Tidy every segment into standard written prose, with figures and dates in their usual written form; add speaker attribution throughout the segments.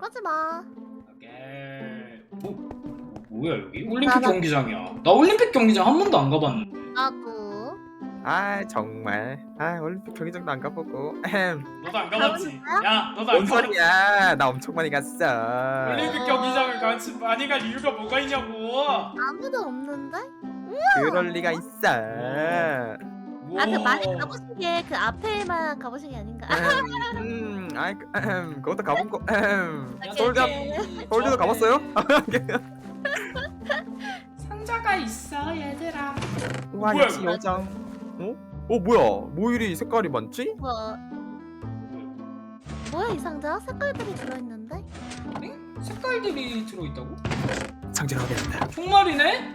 Speaker 1: 하지마.
Speaker 2: 오케이. 뭐야 여기? 올림픽
Speaker 1: 나-
Speaker 2: 경기장이야. 나 올림픽 경기장 한 번도 안 가봤는데.
Speaker 1: 나도.
Speaker 3: 아 정말 올림픽 경기장도 안 가보고
Speaker 2: 너도 안 가봤지?
Speaker 1: 가봤어요?
Speaker 2: 야, 너도
Speaker 3: 뭔
Speaker 2: 안 가봤지?
Speaker 3: 소리야 나 엄청 많이 갔어
Speaker 2: 올림픽 경기장을 같이 많이 갈 이유가 뭐가 있냐고.
Speaker 1: 아무도 없는데?
Speaker 3: 그럴 리가 있어
Speaker 1: 아, 그 많이 가보신 게 그 앞에만 가보신 게 아닌가?
Speaker 3: 그것도 가본 거
Speaker 1: 오케이.
Speaker 3: 서울대도 가봤어요?
Speaker 2: 상자가 있어 얘들아.
Speaker 3: 와
Speaker 2: 뭐야,
Speaker 3: 역시
Speaker 2: 이거?
Speaker 3: 여장 뭐야 모일이 색깔이 많지?
Speaker 1: 뭐야 이 상자? 색깔들이 들어있는데?
Speaker 2: 응? 색깔들이 들어있다고?
Speaker 3: 상자를 확인한다
Speaker 2: 종말이네?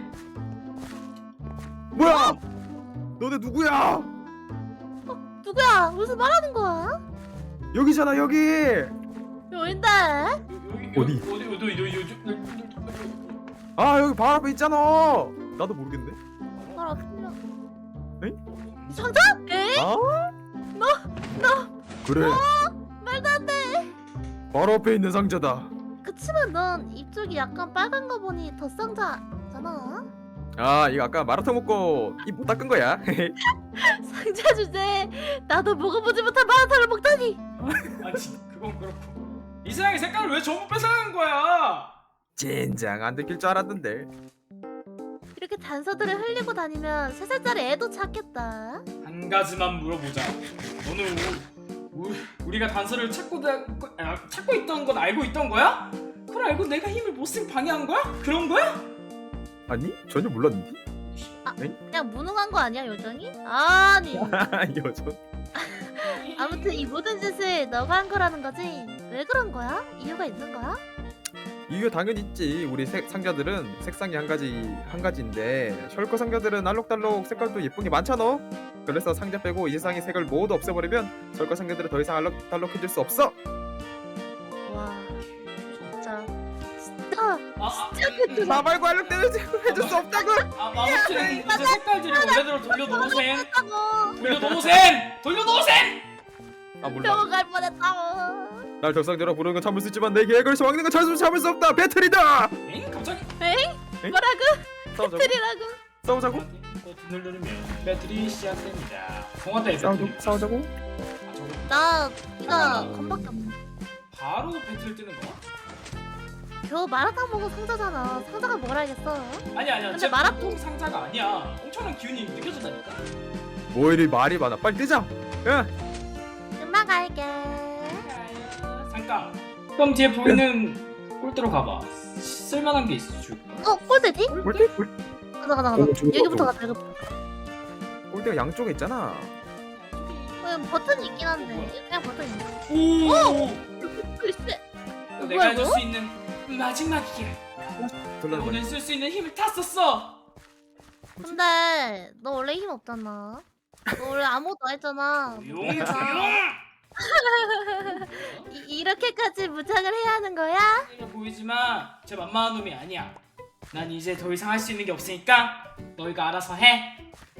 Speaker 3: 뭐야 너네 누구야
Speaker 1: 누구야? 무슨 말하는 거야?
Speaker 3: 여기잖아 여기
Speaker 1: 여긴데?
Speaker 3: 어디? 여기 바로 앞에 있잖아 나도 모르겠네
Speaker 1: 바로 앞이야.
Speaker 3: 에잉?
Speaker 1: 이 상자? 에이?
Speaker 3: 그래
Speaker 1: 말도 안 돼.
Speaker 3: 바로 앞에 있는 상자다
Speaker 1: 그치만 넌 이쪽이 약간 빨간 거 보니 더 상자잖아.
Speaker 3: 이거 아까 마라탕 먹고 입 못 닦은 거야
Speaker 1: 상자 주제. 나도 먹어보지 못한 마라탕을 먹다니.
Speaker 2: 그건 그렇고. 이 세상에 색깔을 왜 전부 뺏어가는 거야?
Speaker 3: 젠장 안 들킬 줄 알았는데
Speaker 1: 이렇게 단서들을 흘리고 다니면 3살짜리 애도 찾겠다.
Speaker 2: 한 가지만 물어보자. 너는 우리가 단서를 찾고 있던 건 알고 있던 거야? 그걸 알고 내가 힘을 못 쓰게 방해한 거야? 그런 거야?
Speaker 3: 아니 전혀 몰랐는데
Speaker 1: 그냥 무능한 거 아니야 요정이? 아니.
Speaker 3: 여전
Speaker 1: 아무튼 이 모든 짓을 너가 한 거라는 거지? 왜 그런 거야? 이유가 있는 거야?
Speaker 3: 이유가 당연히 있지 우리 상자들은 색상이 한 가지인데 셜커 상자들은 알록달록 색깔도 예쁜 게 많잖아 그래서 상자 빼고 이 세상의 색을 모두 없애버리면 셜커 상자들은 더 이상 알록달록해질 수 없어
Speaker 1: 와 진짜
Speaker 3: 나 말고 알록달록해질 수 없다고
Speaker 2: 아무튼 이제 색깔들을 원래대로 돌려놓으셈.
Speaker 1: 뻔했다고.
Speaker 2: 돌려놓으셈.
Speaker 3: 몰라
Speaker 1: 병원 갈 뻔했다고.
Speaker 3: 날 적상자라 부르는 건 참을 수 있지만 내 계획을 막는 건 참을 수 없다 배틀이다
Speaker 2: 엥? 갑자기?
Speaker 1: 뭐라고?
Speaker 3: 싸우자고
Speaker 1: 배틀이라고?
Speaker 3: 싸우자고
Speaker 2: 버튼을 누르면 배틀이 시작됩니다. 통화대 배틀.
Speaker 3: 싸우자고
Speaker 1: 나 이거 건밖에 없네.
Speaker 2: 바로 배틀 뜨는 거야?
Speaker 1: 겨우 마라탕 먹은 상자잖아. 상자가 뭘 알겠어?
Speaker 2: 아니야.
Speaker 1: 근데
Speaker 2: 제
Speaker 1: 마라톤-
Speaker 2: 보통 상자가 아니야. 엄청난 기운이 느껴진다니까.
Speaker 3: 뭐 이리 말이 많아 빨리 뜨자 야
Speaker 1: 금방 갈게.
Speaker 2: 잠깐. 그럼 뒤에 보이는 꼴대로 가봐. 쓸만한 게 있어 줄.
Speaker 1: 꼴대지?
Speaker 3: 꼴대?
Speaker 1: 가자.
Speaker 3: 죽을
Speaker 1: 여기부터
Speaker 3: 것
Speaker 1: 가자. 여기부터.
Speaker 3: 꼴대가 양쪽에 있잖아
Speaker 1: 버튼이 있긴 한데 그냥 버튼 있네.
Speaker 2: 오!
Speaker 1: 글쎄.
Speaker 2: 내가 해줄
Speaker 1: 이거?
Speaker 2: 수 있는 마지막이야.
Speaker 3: 돌려봐
Speaker 2: 오늘 쓸 수 있는 힘을 다 썼어.
Speaker 1: 근데 너 원래 힘 없잖아. 너 원래 아무것도 안 했잖아.
Speaker 2: 조용.
Speaker 1: 이렇게까지 무장을 해야 하는 거야?
Speaker 2: 이래 보이지만 제 만만한 놈이 아니야. 난 이제 더 이상 할 수 있는 게 없으니까 너희가 알아서 해.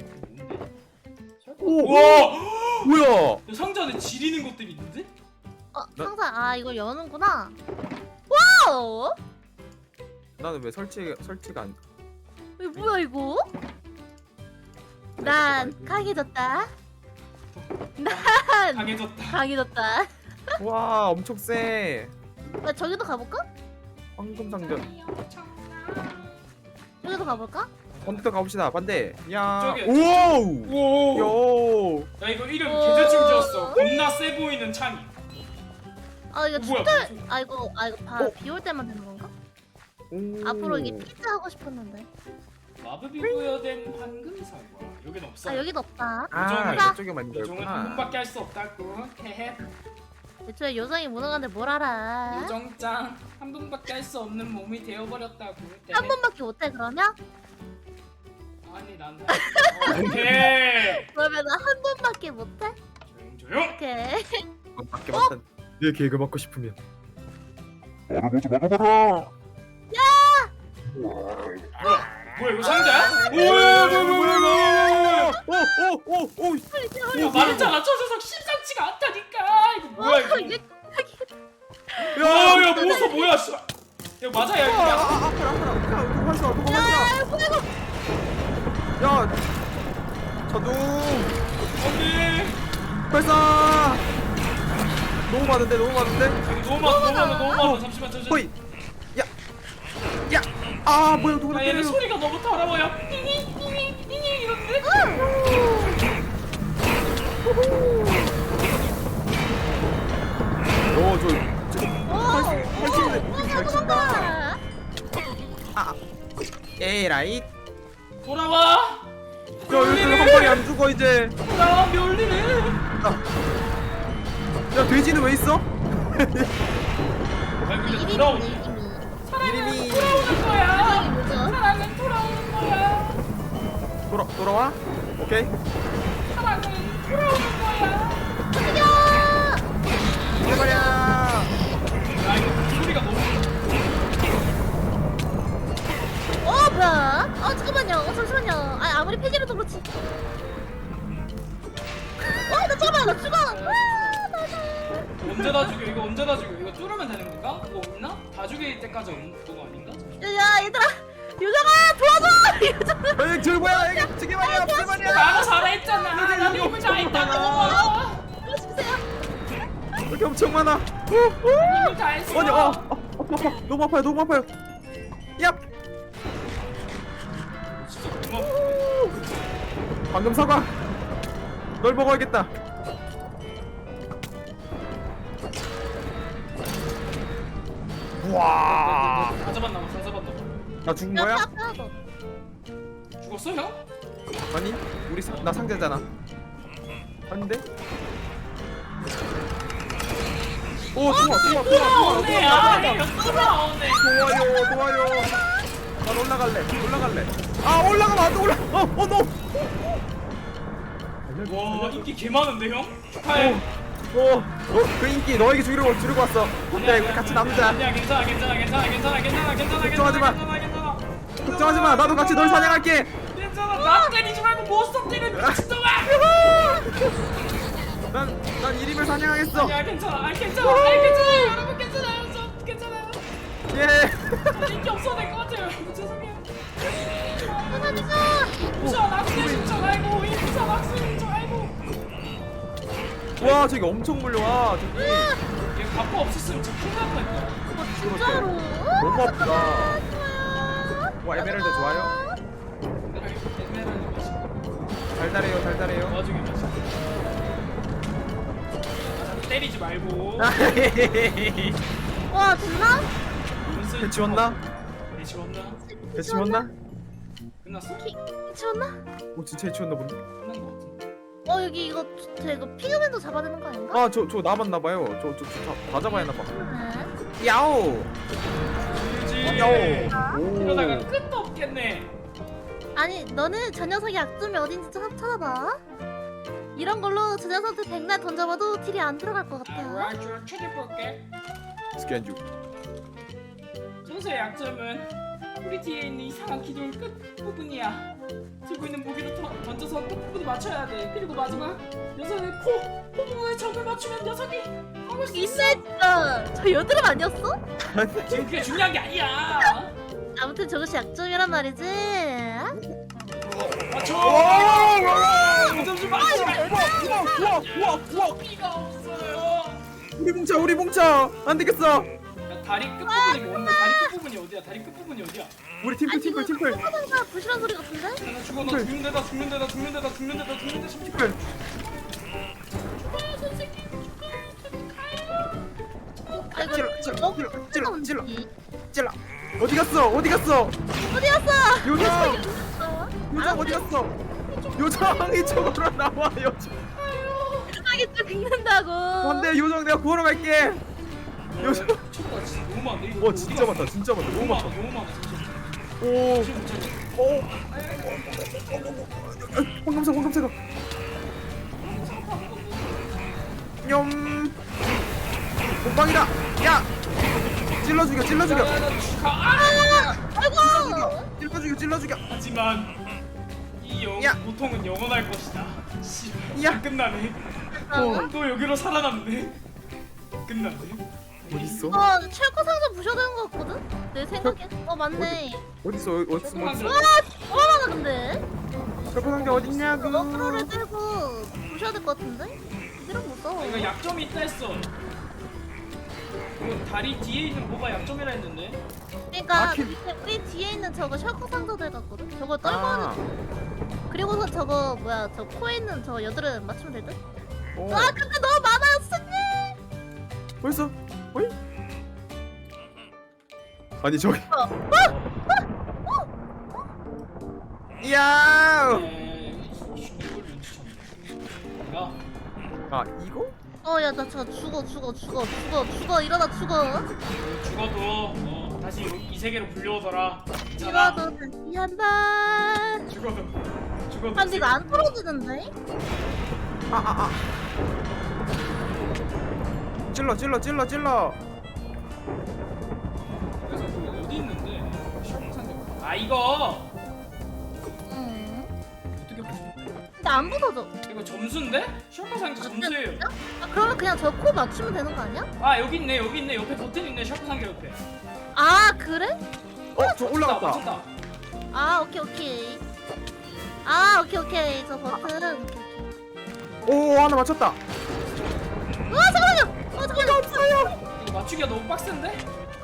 Speaker 3: 오!
Speaker 2: 우와!
Speaker 3: 뭐야
Speaker 2: 야, 상자 안에 지리는 것들이 있는데?
Speaker 1: 상자 이걸 여는구나. 와우!
Speaker 3: 나는 왜 설치가 안
Speaker 1: 이거 뭐야 이거? 난 강해졌다. 난
Speaker 2: 강해졌다.
Speaker 1: 강해졌다.
Speaker 3: 와 엄청 세
Speaker 1: 나 저기도 가볼까?
Speaker 3: 황금 상자
Speaker 1: 저기도 가볼까?
Speaker 3: 반대로 가봅시다 반대 야
Speaker 2: 저기,
Speaker 3: 오우
Speaker 2: 오!
Speaker 3: 요
Speaker 2: 나 이거 이름
Speaker 1: 오.
Speaker 2: 개대충 지었어. 겁나 세 보이는 창이.
Speaker 1: 아 이거
Speaker 2: 뭐야?
Speaker 1: 진짜 이거 비올 때만 되는 건가?
Speaker 3: 오.
Speaker 1: 앞으로 이게 피자 하고 싶었는데.
Speaker 2: 마법이 부여된 황금 사과. 여긴 없어.
Speaker 1: 아 여기도 없다.
Speaker 2: 요정은-
Speaker 3: 이쪽에만 있는
Speaker 2: 요정은 한
Speaker 3: 거였구나
Speaker 2: 번밖에 할 수 없다고. 헤헤.
Speaker 1: 애초에 요정이 무능한데 뭘 알아?
Speaker 2: 요정짱 한 번밖에 할 수 없는 몸이 되어버렸다고.
Speaker 1: 한 번밖에 못해 그러면?
Speaker 2: 아니 난. 오케이.
Speaker 1: 그러면 한 번밖에 못해?
Speaker 2: 조용.
Speaker 1: 오케이.
Speaker 3: 밖에 맞다 내 계획을 맡고 싶으면
Speaker 2: 뭐야 이거 상자야? 뭐야?
Speaker 3: 오오오오
Speaker 2: 야 말했잖아 저 녀석 심상치가 않다니까. 이거 뭐야 이거? 야 몬스터 뭐야 씨발. 야 맞아 야 이거.
Speaker 3: 아파라 도망가
Speaker 1: 야 뭐야
Speaker 3: 야 자동
Speaker 2: 안돼.
Speaker 3: 발사 너무 많은데
Speaker 2: 너무 많아. 잠시만.
Speaker 3: 호이 야아 뭐야 누구나
Speaker 2: 야 얘네
Speaker 3: 때려
Speaker 2: 소리가 너무 더러워요. 띵띵띵띵 이런데.
Speaker 3: 잘 친다. 에라이
Speaker 2: 돌아와.
Speaker 3: 야 얘들 한 발이 안 죽어 이제
Speaker 2: 돌아와 멸리네.
Speaker 3: 야 돼지는 왜 있어?
Speaker 2: 아 근데
Speaker 1: 이름이
Speaker 2: 돌아오.
Speaker 3: 이름이
Speaker 2: 돌아오는 거야.
Speaker 1: 뭐죠?
Speaker 2: 사랑은 돌아오는 거야.
Speaker 3: 돌아와? 오케이
Speaker 2: 사랑은 돌아오는 거야.
Speaker 3: 해버려
Speaker 2: 야 이거 소리가 너무.
Speaker 1: 뭐야? 잠깐만요. 잠시만요. 아무리 폐기라도 그렇지. 나 잠깐만, 나 죽어.
Speaker 2: 언제 다 죽여? 이거 언제 다 죽여? 이거 뚫으면 되는 건가? 그거 없나? 다 죽일 때까지 없는 그거 아닌가?
Speaker 1: 야, 얘들아, 유정아 도와줘.
Speaker 3: 에이 저 뭐야 에이 저게 말이야 무슨 말이야
Speaker 2: 나도 잘했잖아. 나도 힘을 다했다고.
Speaker 1: 도와주세요.
Speaker 3: 이렇게 엄청 많아
Speaker 2: 힘을 다했어.
Speaker 3: 아니 아파 너무 아파요 야
Speaker 2: 진짜 고마워.
Speaker 3: 방금 사과 널 먹어야겠다 와.
Speaker 2: 다 잡았나 봐. 다 잡았나 봐.
Speaker 3: 나 죽은 거야?
Speaker 1: 아파.
Speaker 2: 죽었어 형?
Speaker 3: 아니 나 상자잖아 아닌데? 오 좋아
Speaker 2: 돌아오네. 아, 형 돌아오네.
Speaker 3: 좋아요 난 올라갈래 아 올라가면 안돼 너
Speaker 2: 와 인기 개 많은데 형? 축하해.
Speaker 3: 그 인기 너에게 주려고 왔어 근데 우리 같이 남자
Speaker 2: 아니야 괜찮아.
Speaker 3: 걱정하지 마.
Speaker 2: 괜찮아.
Speaker 3: 걱정하지 마 나도 같이 널 사냥할게
Speaker 2: 괜찮아. 나 때리지 말고 몬스터 때려 미친놈아.
Speaker 3: 난 이림을 사냥하겠어
Speaker 2: 아니야 괜찮아. 괜찮아요. 여러분 괜찮아요. 저 괜찮아요.
Speaker 3: 예
Speaker 2: 인기 없어도 될 것 같아요. 죄송해요.
Speaker 1: 도와주세요.
Speaker 2: 부셔 낙수인 줄 알고 부셔 낙수인 줄 알고.
Speaker 3: 와 저기 엄청 물려와 저기
Speaker 2: 얘 갑바 없었으면 진짜 큰일 날 뻔했다.
Speaker 1: 진짜로.
Speaker 3: 너무 아프다
Speaker 1: 좋아요.
Speaker 3: 와 에메랄드 좋아요
Speaker 2: 에메랄드 맛있다.
Speaker 3: 달달해요
Speaker 2: 도와주기 맛있다. 때리지 말고.
Speaker 1: 와, 됐나?
Speaker 3: 해치웠나?
Speaker 2: 해치웠나? 끝났어?
Speaker 1: 치웠나?
Speaker 3: 오 진짜 해치웠나 본데
Speaker 2: 끝난 거 같은데.
Speaker 1: 여기 이거 피그맨도 잡아야 되는 거 아닌가?
Speaker 3: 저 남았나봐요 다 잡아야 했나봐
Speaker 1: 네.
Speaker 3: 야오
Speaker 2: 그렇지.
Speaker 3: 야오
Speaker 2: 이러다가 끝도 없겠네.
Speaker 1: 아니, 너는 저 녀석이 약점이 어딘지 찾아봐. 이런 걸로 저 녀석한테 백날 던져봐도 딜이 안 들어갈 것 같아.
Speaker 2: 알았죠. 찾아볼게.
Speaker 3: 스캔 중
Speaker 2: 전수의 약점은 우리 뒤에 있는 이상한 기둥 끝 부분이야. 들고 있는 무기를 던져서 끝 부분에 맞춰야 돼. 그리고 마지막 녀석의 코 부분에 점을 맞추면 녀석이 먹을 수 있어.
Speaker 1: 있네 진짜. 저 여드름 아니었어?
Speaker 2: 지금 그게 중요한 게 아니야.
Speaker 1: 아무튼 저것이 약점이란 말이지.
Speaker 2: 맞춰. 점수 맞춰.
Speaker 3: 우와
Speaker 2: 피가 없어요.
Speaker 3: 우리 뭉쳐 안 되겠어
Speaker 2: 야, 다리 끝 부분이 뭐 없네. 다리 끝 부분이 어디야? 다리 끝 부분이 어디야?
Speaker 3: 우리 팀플
Speaker 1: 하다가 부실한 소리 같은데?
Speaker 2: 나 죽어. 나 죽는데다.
Speaker 3: 팀플
Speaker 1: 아이고,
Speaker 3: 찔러 어디 갔어
Speaker 1: 어디였어?
Speaker 3: 요정
Speaker 1: 아,
Speaker 3: 어디 갔어 요정이 저거로 나와 요정
Speaker 1: 편하게 좀 긁는다고.
Speaker 3: 안돼 요정 내가 구하러 갈게 요정
Speaker 2: 미쳤다. 진짜 너무 많네. 이거
Speaker 3: 와 진짜 많다 너무 많다
Speaker 2: 너무 많아. 진짜.
Speaker 3: 오
Speaker 2: 지금 진짜.
Speaker 3: 황금사가 냠 몸빵이다 야 찔러 죽여
Speaker 1: 아이고.
Speaker 3: 찔러 죽여
Speaker 2: 하지만 이
Speaker 3: 야.
Speaker 2: 고통은 영원할 것이다. 씨발.
Speaker 3: 야.
Speaker 2: 끝나네.
Speaker 1: 어?
Speaker 2: 또 여기로 살아남네. 끝나네.
Speaker 3: 어딨어?
Speaker 1: 철거 상자 부셔야 되는 거 같거든? 내 생각에. 맞네.
Speaker 3: 어딨어? 어딨어?
Speaker 2: 철거
Speaker 1: 얼마나 근데?
Speaker 3: 철거 상자 어딨냐고?
Speaker 1: 러프로를 들고 부셔야 될 것 같은데? 이런 못 써.
Speaker 2: 이거 약점이 있다 했어. 이거 다리 뒤에 있는 뭐가 약점이라 했는데.
Speaker 1: 그러니까
Speaker 3: 아,
Speaker 1: 우리 뒤에 있는 저거 철거 상자들 같거든? 저거 떨고
Speaker 3: 아,
Speaker 1: 하는. 그리고서 저거 뭐야 저 코에 있는 저 여드름 맞추면 될 듯?
Speaker 3: 어.
Speaker 1: 근데 너무 많아요 스님.
Speaker 3: 벌써? 어이? 아니 저기. 이야.
Speaker 2: 야,
Speaker 3: 아 이거?
Speaker 1: 야 나 저 죽어 일어나 죽어.
Speaker 2: 죽어도 다시 이 세계로 불려오더라.
Speaker 1: 죽어도 다시 한다.
Speaker 2: 죽어도
Speaker 1: 근데 이거 안 떨어지는데?
Speaker 3: 찔러.
Speaker 2: 그래서 그 어디 있는데? 아 이거
Speaker 1: 응.
Speaker 2: 어떻게 보지?
Speaker 1: 근데 안 부서져.
Speaker 2: 이거 점수인데? 샤프상자 점수예요.
Speaker 1: 그러면 그냥 저 코 맞추면 되는 거 아니야?
Speaker 2: 아 여기 있네 옆에 버튼 있네 샤프상자 옆에.
Speaker 1: 그래?
Speaker 3: 저 올라갔다.
Speaker 2: 맞췄다.
Speaker 1: 오케이. 오케이. 저 버튼.
Speaker 3: 오 하나 맞췄다.
Speaker 1: 잠깐만요. 없어요.
Speaker 2: 이거 맞추기가 너무 빡센데?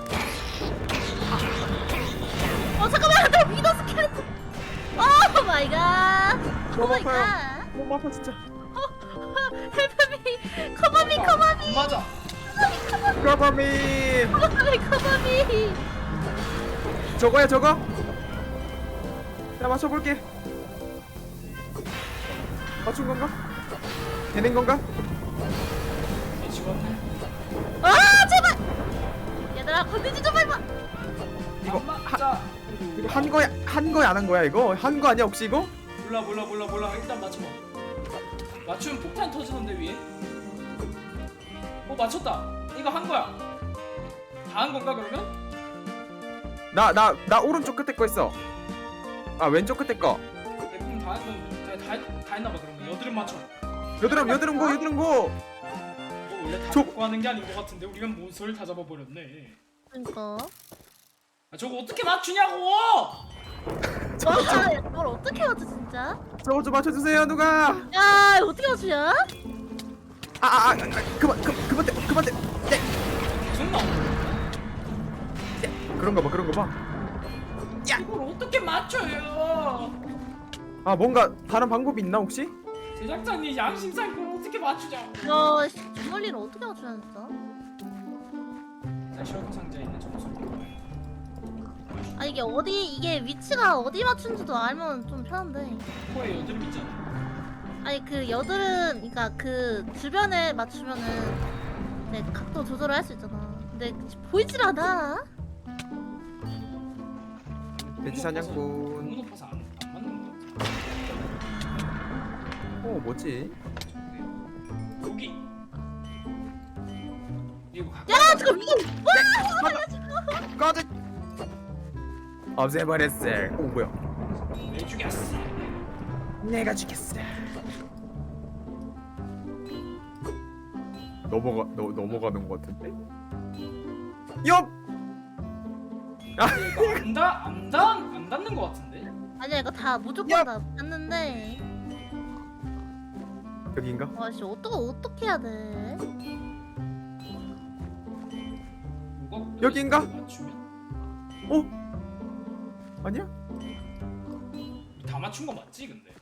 Speaker 1: 잠깐만. 나 위더 스켈레톤. 오 마이 갓. 오 마이 갓.
Speaker 3: 너무 아파 진짜.
Speaker 1: 헬프미. 커버미.
Speaker 2: 맞아.
Speaker 3: 까바미.
Speaker 1: 커버미.
Speaker 3: 저거야 저거. 나 맞춰볼게. 맞춘 건가? 되는 건가?
Speaker 2: 내 죽었네.
Speaker 1: 제발. 얘들아 건드지 좀 해봐.
Speaker 3: 이거
Speaker 2: 맞자.
Speaker 3: 이거 한 거야 안 한 거야 이거? 한 거 아니야 혹시 이거?
Speaker 2: 몰라. 일단 맞춰봐. 맞추면 폭탄 터지는데 위에. 맞췄다. 이거 한 거야. 다 한 건가 그러면?
Speaker 3: 나 오른쪽 끝에 거 있어. 아 왼쪽 끝에 거.
Speaker 2: 대부분 다 했나 봐 그러면. 여드름 맞춰.
Speaker 3: 여드름 고.
Speaker 2: 원래 다
Speaker 3: 저-
Speaker 2: 먹고 하는 게 아닌 것 같은데 우리가 몬스터를 다 잡아버렸네.
Speaker 1: 그러니까.
Speaker 2: 저거 어떻게 맞추냐고!
Speaker 1: 뭘 어떻게 맞춰 진짜?
Speaker 3: 저거 좀 맞춰주세요 누가.
Speaker 1: 야 이거 어떻게 맞추냐?
Speaker 3: 그만 떼.
Speaker 2: 계속 나와.
Speaker 3: 그런가 봐.
Speaker 2: 이걸 어떻게 맞춰요?
Speaker 3: 아 뭔가 다른 방법이 있나 혹시?
Speaker 2: 제작자님 양심상 이걸 어떻게 맞추냐고.
Speaker 1: 주물리를 어떻게 맞추냐 진짜?
Speaker 2: 자 셜커 상자에 있는 점수.
Speaker 1: 이게 위치가 어디 맞춘지도 알면 좀 편한데.
Speaker 2: 코에 여드름 있잖아.
Speaker 1: 그 여드름 그러니까 그 주변에 맞추면은 네 각도 조절을 할 수 있잖아. 근데 보이질 않아.
Speaker 3: 돼지 사냥꾼.
Speaker 2: 너무 높아서 안 맞는 것 같아.
Speaker 3: 뭐지?
Speaker 2: 여기. 이거 가까이.
Speaker 1: 야 지금 이거
Speaker 3: 꺼져. 없애버렸어. 오 뭐야?
Speaker 2: 왜 죽였어?
Speaker 3: 내가 죽였어. 넘어가는 것 같은데? 엽!
Speaker 2: 이거 안 닿는 것 같은데?
Speaker 1: 아니야 이거 다 무조건
Speaker 3: 야!
Speaker 1: 다 봤는데.
Speaker 3: 여기인가?
Speaker 1: 와씨 어떻게 해야 돼?
Speaker 2: 뭐가
Speaker 3: 여기인가?
Speaker 2: 맞추면?
Speaker 3: 어? 아니야?
Speaker 2: 다 맞춘 거 맞지 근데?